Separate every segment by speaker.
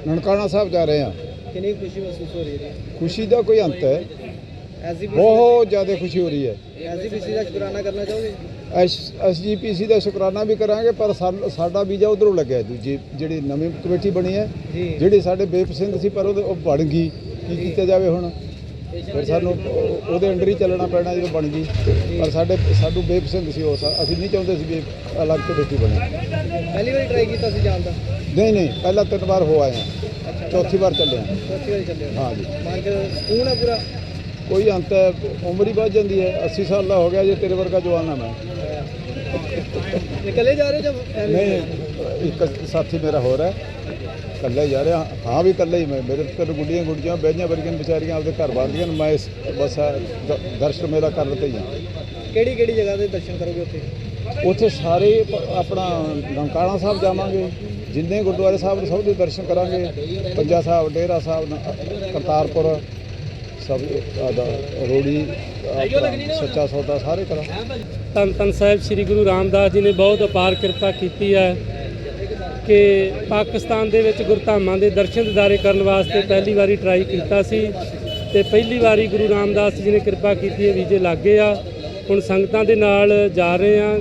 Speaker 1: ਨਨਕਾਣਾ ਸਾਹਿਬ ਜਾ ਰਹੇ ਹਾਂ।
Speaker 2: ਕਿੰਨੀ ਖੁਸ਼ੀ ਮਹਿਸੂਸ ਹੋ ਰਹੀ ਹੈ?
Speaker 1: ਖੁਸ਼ੀ ਦਾ ਕੋਈ ਅੰਤ ਹੈ,
Speaker 2: ਐਸਜੀਪੀਸੀ
Speaker 1: ਬਹੁਤ ਜ਼ਿਆਦਾ ਖੁਸ਼ੀ ਹੋ ਰਹੀ ਹੈ।
Speaker 2: ਦਾ ਸ਼ੁਕਰਾਨਾ ਕਰਨਾ ਚਾਹੋਗੇ?
Speaker 1: ਐਸਜੀਪੀਸੀ ਦਾ ਸ਼ੁਕਰਾਨਾ ਵੀ ਕਰਾਂਗੇ, ਪਰ ਸਾਡਾ ਵੀਜ਼ਾ ਉਧਰੋਂ ਲੱਗਿਆ, ਦੂਜੀ ਜਿਹੜੀ ਨਵੀਂ ਕਮੇਟੀ ਬਣੀ ਹੈ, ਜਿਹੜੀ ਸਾਡੇ ਬੇਪ ਸਿੰਘ ਸੀ, ਪਰ ਉਹ ਬਣ ਗਈ। ਕੀ ਕੀਤਾ ਜਾਵੇ ਹੁਣ? ਫਿਰ ਸਾਨੂੰ ਉਹਦੇ ਅੰਡਰ ਹੀ ਚੱਲਣਾ ਪੈਣਾ ਜਦੋਂ ਬਣ ਗਈ। ਪਰ ਸਾਨੂੰ ਬੇਪ ਸਿੰਘ ਸੀ, ਅਸੀਂ ਨਹੀਂ ਚਾਹੁੰਦੇ ਸੀ ਵੀ ਅਲੱਗ ਕਮੇਟੀ ਬਣੇ।
Speaker 2: ਪਹਿਲੀ ਵਾਰੀ ਟਰਾਈ ਕੀਤਾ ਸੀ ਜਾਣ ਦਾ?
Speaker 1: ਨਹੀਂ, ਪਹਿਲਾਂ 3 ਵਾਰ ਹੋ ਆਏ ਹਾਂ, ਚੌਥੀ ਵਾਰ ਚੱਲੇ ਹਾਂ।
Speaker 2: ਚੌਥੀ ਵਾਰੀ ਚੱਲੇ
Speaker 1: ਹਾਂ ਜੀ।
Speaker 2: ਮਨ 'ਚ ਸਕੂਨ ਹੈ ਪੂਰਾ?
Speaker 1: ਕੋਈ ਅੰਤ ਹੈ, ਉਮਰ ਹੀ ਵੱਧ ਜਾਂਦੀ ਹੈ। 80 ਸਾਲ ਦਾ ਹੋ ਗਿਆ ਜੇ, ਤੇਰੇ ਵਰਗਾ ਜਵਾਨ ਆ ਮੈਂ।
Speaker 2: ਨਿਕਲੇ ਜਾ ਰਹੇ ਜਾਂ
Speaker 1: ਨਹੀਂ, ਇੱਕ ਸਾਥੀ ਮੇਰਾ ਹੋਰ ਹੈ, ਇਕੱਲਾ ਹੀ ਜਾ ਰਿਹਾ। ਹਾਂ ਵੀ ਇਕੱਲਾ ਹੀ ਮੈਂ, ਮੇਰੇ ਕੋਲ ਗੁੱਡੀਆਂ ਬਹਿਆਂ ਵਰਗੀਆਂ ਵਿਚਾਰੀਆਂ ਆਪਦੇ ਘਰ ਬਾਂਦੀਆਂ। ਮੈਂ ਬਸ ਦਰਸ਼ਨ ਮੇਰਾ ਕਰਨ ਤੇ ਹੀ ਹਾਂ।
Speaker 2: ਕਿਹੜੀ ਜਗ੍ਹਾ ਦੇ ਦਰਸ਼ਨ ਕਰੋਗੇ ਉੱਥੇ?
Speaker 1: ਉੱਥੇ ਸਾਰੇ ਆਪਣਾ ਨਨਕਾਣਾ ਸਾਹਿਬ ਜਾਵਾਂਗੇ, ਜਿੰਨੇ ਗੁਰਦੁਆਰੇ ਸਾਹਿਬ ਸਭ ਦੇ ਦਰਸ਼ਨ ਕਰਾਂਗੇ। ਪੰਜਾ ਸਾਹਿਬ, ਡੇਰਾ ਸਾਹਿਬ, ਕਰਤਾਰਪੁਰ, ਸਭ ਰੋੜੀ, ਸੱਚਾ ਸੌਦਾ ਸਾਰੇ ਕਰਾਂਗੇ।
Speaker 3: ਧੰਨ ਸਾਹਿਬ ਸ੍ਰੀ ਗੁਰੂ ਰਾਮਦਾਸ ਜੀ ਨੇ ਬਹੁਤ ਅਪਾਰ ਕਿਰਪਾ ਕੀਤੀ ਹੈ ਕਿ ਪਾਕਿਸਤਾਨ ਦੇ ਵਿੱਚ ਗੁਰਧਾਮਾਂ ਦੇ ਦਰਸ਼ਨ ਦਿਦਾਰੇ ਕਰਨ ਵਾਸਤੇ ਪਹਿਲੀ ਵਾਰੀ ਟਰਾਈ ਕੀਤਾ ਸੀ ਤੇ ਪਹਿਲੀ ਵਾਰੀ ਗੁਰੂ ਰਾਮਦਾਸ ਜੀ ਨੇ ਕਿਰਪਾ ਕੀਤੀ ਹੈ, ਵੀਜ਼ੇ ਲੱਗ ਗਏ ਆ। ਹੁਣ ਸੰਗਤਾਂ ਦੇ ਨਾਲ ਜਾ ਰਹੇ ਆ।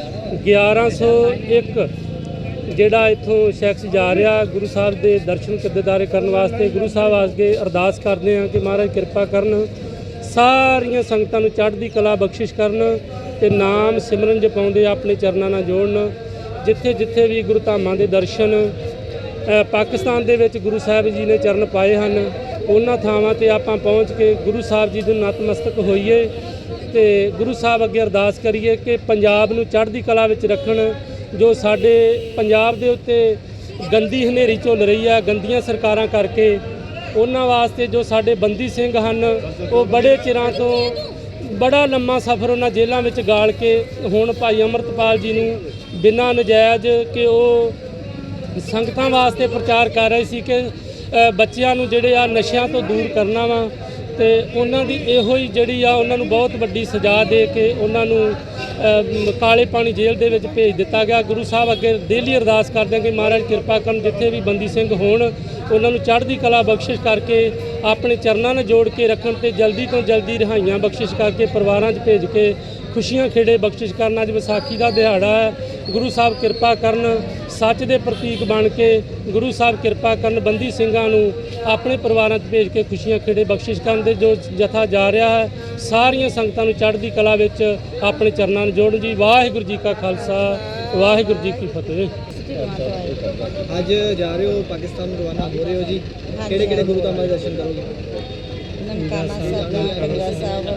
Speaker 3: 1101 ਜਿਹੜਾ ਇੱਥੋਂ ਸ਼ਖਸ ਜਾ ਰਿਹਾ ਗੁਰੂ ਸਾਹਿਬ ਦੇ ਦਰਸ਼ਨ ਦਿਦਾਰੇ ਕਰਨ ਵਾਸਤੇ। ਗੁਰੂ ਸਾਹਿਬ ਅੱਗੇ ਅਰਦਾਸ ਕਰਦੇ ਆ ਕਿ ਮਹਾਰਾਜ ਕਿਰਪਾ ਕਰਨ, ਸਾਰੀਆਂ ਸੰਗਤਾਂ ਨੂੰ ਚੜ੍ਹਦੀ ਕਲਾ ਬਖਸ਼ਿਸ਼ ਕਰਨ ਤੇ ਨਾਮ ਸਿਮਰਨ ਜਪਾਉਂਦੇ ਆਪਣੇ ਚਰਨਾਂ ਨਾਲ ਜੋੜਨ। ਜਿੱਥੇ ਜਿੱਥੇ ਵੀ ਗੁਰੂ ਧਾਮਾਂ ਦੇ ਦਰਸ਼ਨ ਪਾਕਿਸਤਾਨ ਦੇ ਵਿੱਚ ਗੁਰੂ ਸਾਹਿਬ ਜੀ ਨੇ ਚਰਨ ਪਾਏ ਹਨ, ਉਹਨਾਂ ਥਾਵਾਂ ਤੇ ਆਪਾਂ ਪਹੁੰਚ ਕੇ ਗੁਰੂ ਸਾਹਿਬ ਜੀ ਦੇ ਨਤਮਸਤਕ ਹੋਈਏ ਤੇ ਗੁਰੂ ਸਾਹਿਬ ਅੱਗੇ ਅਰਦਾਸ ਕਰੀਏ ਕਿ ਪੰਜਾਬ ਨੂੰ ਚੜ੍ਹਦੀ ਕਲਾ ਵਿੱਚ ਰੱਖਣ। ਜੋ ਸਾਡੇ ਪੰਜਾਬ ਦੇ ਉੱਤੇ ਗੰਦੀ ਹਨੇਰੀ ਝੁੱਲ ਰਹੀ ਹੈ ਗੰਦੀਆਂ ਸਰਕਾਰਾਂ ਕਰਕੇ, ਉਹਨਾਂ ਵਾਸਤੇ ਜੋ ਸਾਡੇ ਬੰਦੀ ਸਿੰਘ ਹਨ, ਉਹ ਬੜੇ ਚਿਰਾਂ ਤੋਂ ਬੜਾ ਲੰਮਾ ਸਫ਼ਰ ਉਹਨਾਂ ਜੇਲ੍ਹਾਂ ਵਿੱਚ ਗਾਲ ਕੇ ਹੁਣ ਭਾਈ ਅੰਮ੍ਰਿਤਪਾਲ ਜੀ ਨੂੰ ਬਿਨਾਂ ਨਜਾਇਜ਼ ਕਿ ਉਹ ਸੰਗਤਾਂ ਵਾਸਤੇ ਪ੍ਰਚਾਰ ਕਰ ਰਹੇ ਸੀ ਕਿ ਬੱਚਿਆਂ ਨੂੰ ਜਿਹੜੇ ਆ ਨਸ਼ਿਆਂ ਤੋਂ ਦੂਰ ਕਰਨਾ ਵਾ, ਤੇ ਉਹਨਾਂ ਦੀ ਇਹੋ ਹੀ ਜਿਹੜੀ ਆ ਉਹਨਾਂ ਨੂੰ ਬਹੁਤ ਵੱਡੀ ਸਜ਼ਾ ਦੇ ਕੇ ਉਹਨਾਂ ਨੂੰ ਕਾਲੇ ਪਾਣੀ ਜੇਲ੍ਹ ਦੇ ਵਿੱਚ ਭੇਜ ਦਿੱਤਾ ਗਿਆ। ਗੁਰੂ ਸਾਹਿਬ ਅੱਗੇ ਡੇਲੀ ਅਰਦਾਸ ਕਰਦੇ ਕਿ ਮਹਾਰਾਜ ਕਿਰਪਾ ਕਰਨ, ਜਿੱਥੇ ਵੀ ਬੰਦੀ ਸਿੰਘ ਹੋਣ ਉਹਨਾਂ ਨੂੰ ਚੜ੍ਹਦੀ ਕਲਾ ਬਖਸ਼ਿਸ਼ ਕਰਕੇ ਆਪਣੇ ਚਰਨਾਂ ਨਾਲ ਜੋੜ ਕੇ ਰੱਖਣ ਤੇ ਜਲਦੀ ਤੋਂ ਜਲਦੀ ਰਿਹਾਈਆਂ ਬਖਸ਼ਿਸ਼ ਕਰਕੇ ਪਰਿਵਾਰਾਂ 'ਚ ਭੇਜ ਕੇ ਖੁਸ਼ੀਆਂ ਖੇੜੇ ਬਖਸ਼ਿਸ਼ ਕਰਨ। ਅੱਜ ਵਿਸਾਖੀ ਦਾ ਦਿਹਾੜਾ ਹੈ, ਗੁਰੂ ਸਾਹਿਬ ਕਿਰਪਾ ਕਰਨ, ਸੱਚ ਦੇ ਪ੍ਰਤੀਕ ਬਣ ਕੇ ਗੁਰੂ ਸਾਹਿਬ ਕਿਰਪਾ ਕਰਨ, ਬੰਦੀ ਸਿੰਘਾਂ ਨੂੰ ਆਪਣੇ ਪਰਿਵਾਰਾਂ 'ਚ ਭੇਜ ਕੇ ਖੁਸ਼ੀਆਂ ਖੇੜੇ ਬਖਸ਼ਿਸ਼ ਕਰਨ ਦੇ ਜੋ ਜਥਾ ਜਾ ਰਿਹਾ ਹੈ, ਸਾਰੀਆਂ ਸੰਗਤਾਂ ਨੂੰ ਚੜ੍ਹਦੀ ਕਲਾ ਵਿੱਚ ਆਪਣੇ ਚਰਨਾਂ ਨੂੰ ਜੋੜਨ ਜੀ। ਵਾਹਿਗੁਰੂ ਜੀ ਕਾ ਖਾਲਸਾ, ਵਾਹਿਗੁਰੂ ਜੀ ਕੀ ਫਤਿਹ।
Speaker 2: ਅੱਜ ਜਾ ਰਹੇ ਹੋ ਪਾਕਿਸਤਾਨ ਨੂੰ ਰਵਾਨਾ ਹੋ ਰਹੇ ਹੋ ਜੀ, ਕਿਹੜੇ ਗੁਰੂ ਧਾਮਾਂ ਦੇ ਦਰਸ਼ਨ ਕਰੋਗੇ?
Speaker 4: ਨਨਕਾਣਾ ਸਾਹਿਬ, ਪੰਜਾ ਸਾਹਿਬ,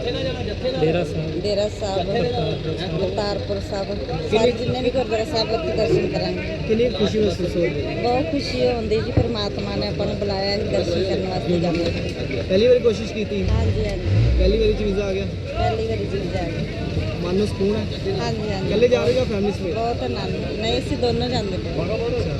Speaker 4: ਡੇਰਾ ਸਾਹਿਬ, ਕਰਤਾਰਪੁਰ ਸਾਹਿਬ, ਸਾਰੇ ਜਿੰਨੇ ਵੀ ਗੁਰਦੁਆਰਾ ਸਾਹਿਬ ਉੱਥੇ ਦਰਸ਼ਨ ਕਰਾਂਗੇ।
Speaker 2: ਕਿੰਨੀ ਖੁਸ਼ੀ ਮਹਿਸੂਸ ਹੋ ਰਹੀ ਹੈ?
Speaker 4: ਬਹੁਤ ਖੁਸ਼ੀ ਹੁੰਦੀ ਜੀ, ਪਰਮਾਤਮਾ ਨੇ ਆਪਾਂ ਨੂੰ ਬੁਲਾਇਆ ਜੀ ਦਰਸ਼ਨ ਕਰਨ ਵਾਸਤੇ ਜਾਣਾ।
Speaker 2: ਪਹਿਲੀ ਵਾਰੀ ਕੋਸ਼ਿਸ਼ ਕੀਤੀ?
Speaker 4: ਹਾਂਜੀ,
Speaker 2: ਪਹਿਲੀ ਵਾਰੀ 'ਚ ਵੀਜ਼ਾ ਆ ਗਿਆ?
Speaker 4: ਪਹਿਲੀ ਵਾਰੀ ਜੀ ਜਾ ਕੇ
Speaker 2: ਮਨ ਨੂੰ ਸਕੂਨ ਹੈ?
Speaker 4: ਹਾਂਜੀ।
Speaker 2: ਇਕੱਲੇ ਜਾ ਰਹੇ ਹੋ ਫੈਮਿਲੀ ਸਮੇਤ?
Speaker 4: ਬਹੁਤ ਆਨੰਦ। ਨਹੀਂ, ਅਸੀਂ ਦੋਨੋਂ ਜਾਂਦੇ ਪਏ।